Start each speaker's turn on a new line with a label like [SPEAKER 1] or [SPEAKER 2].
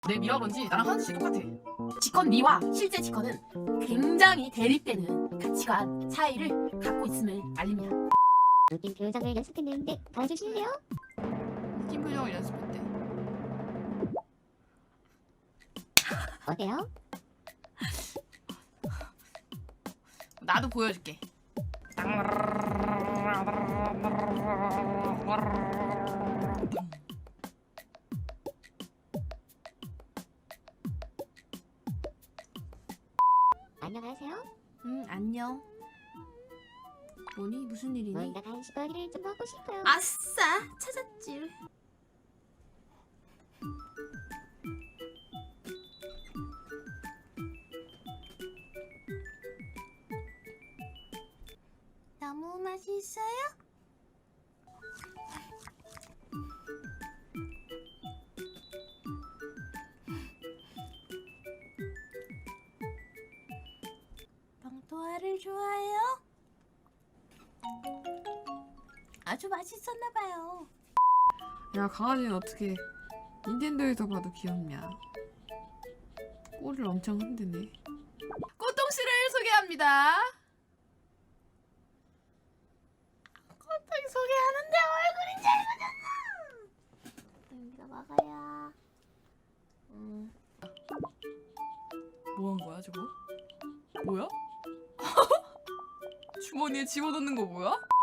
[SPEAKER 1] 내 미러런지 나랑 하나씩 똑같아. 지컨 니와 실제 지컨은 굉장히 대립되는 가치관 차이를 갖고 있음을 알립니다.
[SPEAKER 2] 느낌 표정을 연습했는데 봐주실래요?
[SPEAKER 1] 느낌 표정을 연습했대.
[SPEAKER 2] 어때요?
[SPEAKER 1] 나도 보여줄게.
[SPEAKER 2] 안녕하세요.
[SPEAKER 1] 안녕. 뭐니? 무슨 일이니?
[SPEAKER 2] 뭔가 간식거리를 좀 먹고 싶어요.
[SPEAKER 1] 아싸! 찾았지. 너무 맛있어요? 빵도화를 좋아해요? 아주 맛있었나봐요.
[SPEAKER 3] 야, 강아지는 어떻게 닌텐도에서 봐도 귀엽냐. 꼬리를 엄청 흔드네.
[SPEAKER 1] 꽃동씨를 소개합니다. 꽃동이 소개하는데 얼굴이 잘못했나? 여기서 먹어요. 뭐 한 거야 저거? 뭐야? 주머니에 집어넣는 거 뭐야?